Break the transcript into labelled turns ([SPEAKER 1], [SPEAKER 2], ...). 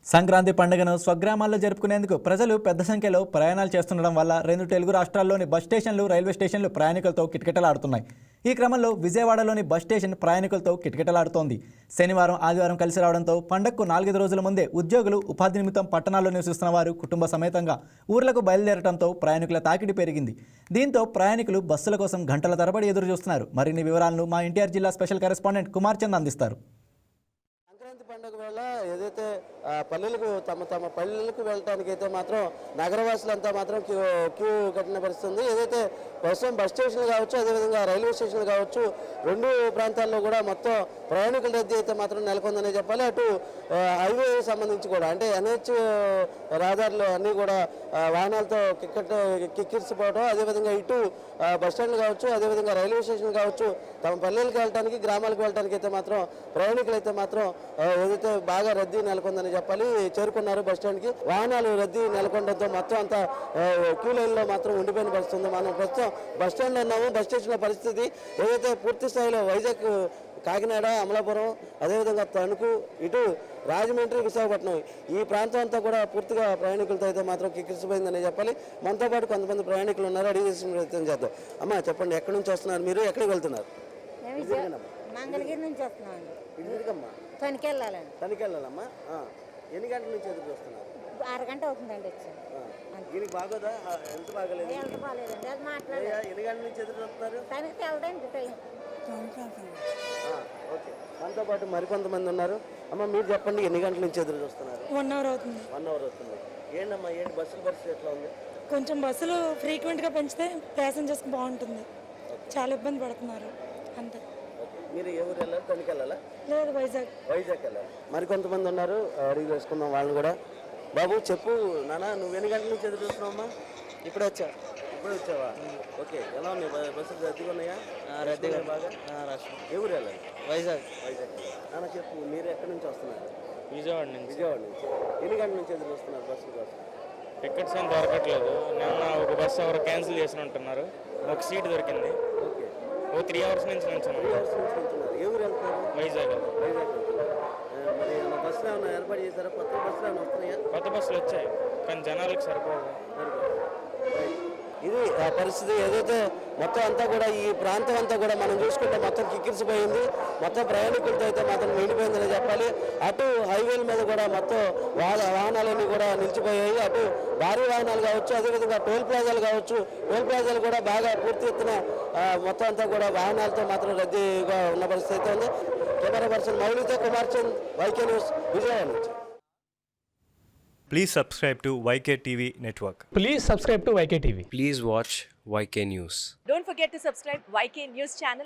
[SPEAKER 1] సంక్రాంతి పండుగను స్వగ్రామాల్లో జరుపుకునేందుకు ప్రజలు పెద్ద సంఖ్యలో ప్రయాణాలు చేస్తుండడం వల్ల 2 తెలుగు రాష్ట్రాల్లోని బస్ స్టేషన్లు, రైల్వే స్టేషన్లు ప్రయాణికులతో కిటకిటలాడుతున్నాయి. ఈ క్రమంలో విజయవాడలోని బస్ స్టేషన్ ప్రయాణికులతో కిటకిటలాడుతోంది. శనివారం, ఆదివారం కలిసి రావడంతో పండగకు 4 రోజుల ముందే ఉద్యోగులు, ఉపాధి నిమిత్తం పట్టణాల్లో నివసిస్తున్న వారు కుటుంబ సమేతంగా ఊర్లకు బయలుదేరడంతో ప్రయాణికుల తాకిడి పెరిగింది. దీంతో ప్రయాణికులు బస్సుల కోసం గంటల తరబడి ఎదురు చూస్తున్నారు. మరిన్ని వివరాలను మా ఎన్టీఆర్ జిల్లా స్పెషల్ కరెస్పాండెంట్ కుమార్ చంద్ అందిస్తారు.
[SPEAKER 2] సంక్రాంతి పండుగ వేళ ఏదైతే పల్లెలకు తమ పల్లెలకు వెళ్ళడానికి అయితే మాత్రం నగరవాసులంతా మాత్రం క్యూ కట్టిన పరిస్థితుంది. ఏదైతే ప్రస్తుతం బస్ స్టేషన్లు కావచ్చు, అదేవిధంగా రైల్వే స్టేషన్లు కావచ్చు, 2 ప్రాంతాల్లో కూడా మొత్తం ప్రయాణికుల రద్దీ అయితే మాత్రం నెలకొందనే చెప్పాలి. అటు హైవే సంబంధించి కూడా అంటే NH రహదారులు అన్నీ కూడా వాహనాలతో కిక్కిరిసిపోవడం, అదేవిధంగా ఇటు బస్ స్టాండ్లు కావచ్చు, అదేవిధంగా రైల్వే స్టేషన్లు కావచ్చు, తమ పల్లెలకు వెళ్ళడానికి, గ్రామాలకు వెళ్ళడానికి అయితే మాత్రం ప్రయాణికులు అయితే మాత్రం ఏదైతే బాగా రద్దీ నెలకొందని చెప్పాలి. చేరుకున్నారు బస్ స్టాండ్కి. వాహనాలు రద్దీ నెలకొనడంతో మొత్తం అంతా క్యూ లైన్లో మాత్రం ఉండిపోయిన పరిస్థితుంది. మనం ప్రస్తుతం బస్ స్టాండ్లో ఉన్నాము. బస్ స్టేషన్ల పరిస్థితి ఏదైతే పూర్తి స్థాయిలో వైజాగ్, కాకినాడ, అమలాపురం, అదేవిధంగా తణుకు, ఇటు రాజమండ్రి, విశాఖపట్నం ఈ ప్రాంతం అంతా కూడా పూర్తిగా ప్రయాణికులతో అయితే మాత్రం కిక్కిరిసిపోయిందని చెప్పాలి. మనతో పాటు కొంతమంది ప్రయాణికులు ఉన్నారు, అడిగి ప్రయత్నం చేద్దాం. అమ్మ చెప్పండి, ఎక్కడి నుంచి వస్తున్నారు మీరు, ఎక్కడికి వెళ్తున్నారు?
[SPEAKER 3] మంగళగిరి నుంచి వస్తున్నామండి. తణుకు వెళ్ళాలండి.
[SPEAKER 2] తణుకు వెళ్ళాలమ్మా. ఎన్ని గంటల నుంచి ఎదురు చూస్తున్నారు?
[SPEAKER 3] అరగంట అవుతుందండి వచ్చి.
[SPEAKER 2] దీనికి బాగోదా? ఎంత బాగలేదు?
[SPEAKER 3] ఎంత బాగాలేదండి, అది మాట్లాడాలి.
[SPEAKER 2] ఎన్ని గంటల నుంచి ఎదురు చూస్తున్నారు?
[SPEAKER 3] తణుకు వెళ్దండి టైం.
[SPEAKER 2] ఓకే, మనతో పాటు మరికొంతమంది ఉన్నారు. అమ్మ మీరు చెప్పండి, ఎన్ని గంటల నుంచి ఎదురు చూస్తున్నారు?
[SPEAKER 4] 1 అవర్ అవుతుంది.
[SPEAKER 2] 1 అవర్ అవుతుంది. ఏంటమ్మా, ఏంటి బస్సుల పరిస్థితి ఎట్లా ఉంది?
[SPEAKER 4] కొంచెం బస్సులు ఫ్రీక్వెంట్గా పెంచితే ప్యాసింజర్స్కి బాగుంటుంది. చాలా ఇబ్బంది పడుతున్నారు అంతే.
[SPEAKER 2] మీరు ఏ ఊరు వెళ్ళాలి? తణుకు వెళ్ళాలా?
[SPEAKER 4] లేదు, వైజాగ్.
[SPEAKER 2] వైజాగ్ వెళ్ళాలి. మరికొంతమంది ఉన్నారు, అడిగి వేసుకుందాం వాళ్ళని కూడా. బాబు చెప్పు నాన్న, నువ్వు ఎన్ని గంటల నుంచి ఎదురు చూస్తున్నావమ్మా?
[SPEAKER 5] ఇప్పుడే వచ్చా.
[SPEAKER 2] ఇప్పుడే వచ్చావా? ఓకే, ఎలా ఉన్నాయి బస్సులు? రద్దీగా ఉన్నాయా?
[SPEAKER 5] రద్దీగా
[SPEAKER 2] బాగా.
[SPEAKER 5] రాష్ట్రం
[SPEAKER 2] ఏ ఊరు వెళ్ళాలి?
[SPEAKER 5] వైజాగ్.
[SPEAKER 2] వైజాగ్. నాన్న చెప్పు, మీరు ఎక్కడి నుంచి వస్తున్నారు?
[SPEAKER 6] విజయవాడ నుంచి.
[SPEAKER 2] విజయవాడ నుంచి. ఎన్ని గంటల నుంచి ఎదురు చూస్తున్నారు బస్సుల కోసం?
[SPEAKER 6] టికెట్స్ ఏం దొరకట్లేదు. నిన్న ఒక బస్సు ఎవరు క్యాన్సిల్ చేసి ఉంటున్నారు. ఒక సీట్ దొరికింది.
[SPEAKER 2] ఓకే,
[SPEAKER 6] ఓ 3 అవర్స్ నుంచి
[SPEAKER 2] 3 అవర్స్ నుంచి వెళ్తున్నారు. ఏ ఊరు వెళ్తున్నారు?
[SPEAKER 6] వైజాగ్.
[SPEAKER 2] వైజాగ్ వెళ్తున్నారు. మరి ఏమైనా బస్సులు ఏమైనా ఏర్పాటు చేశారా? కొత్త బస్సులు ఏమైనా వస్తున్నాయా?
[SPEAKER 6] కొత్త బస్సులు వచ్చాయి, కానీ జనాలకు సరిపోదు.
[SPEAKER 2] ఇది ఆ పరిస్థితి. ఏదైతే మొత్తం అంతా కూడా ఈ ప్రాంతం అంతా కూడా మనం చూసుకుంటే మొత్తం కిక్కిరిసిపోయింది. మొత్తం ప్రయాణికులతో అయితే మాత్రం నిండిపోయిందని చెప్పాలి. అటు హైవేల మీద కూడా మొత్తం వాహనాలన్నీ కూడా నిలిచిపోయాయి. అటు భారీ వాహనాలు కావచ్చు, అదేవిధంగా టోల్ ప్లాజాలు కావచ్చు. టోల్ ప్లాజాలు కూడా బాగా పూర్తి ఎత్తున మొత్తం అంతా కూడా వాహనాలతో మాత్రం రద్దీగా ఉన్న పరిస్థితి అయితే ఉంది. కెమెరా పర్సన్ మౌలితో కుమార్ చంద్, YK న్యూస్, విజయవాడ నుంచి.
[SPEAKER 7] Please subscribe to YK TV Network.
[SPEAKER 8] Please subscribe to YK TV.
[SPEAKER 9] Please watch YK News.
[SPEAKER 10] Don't forget to subscribe YK News channel.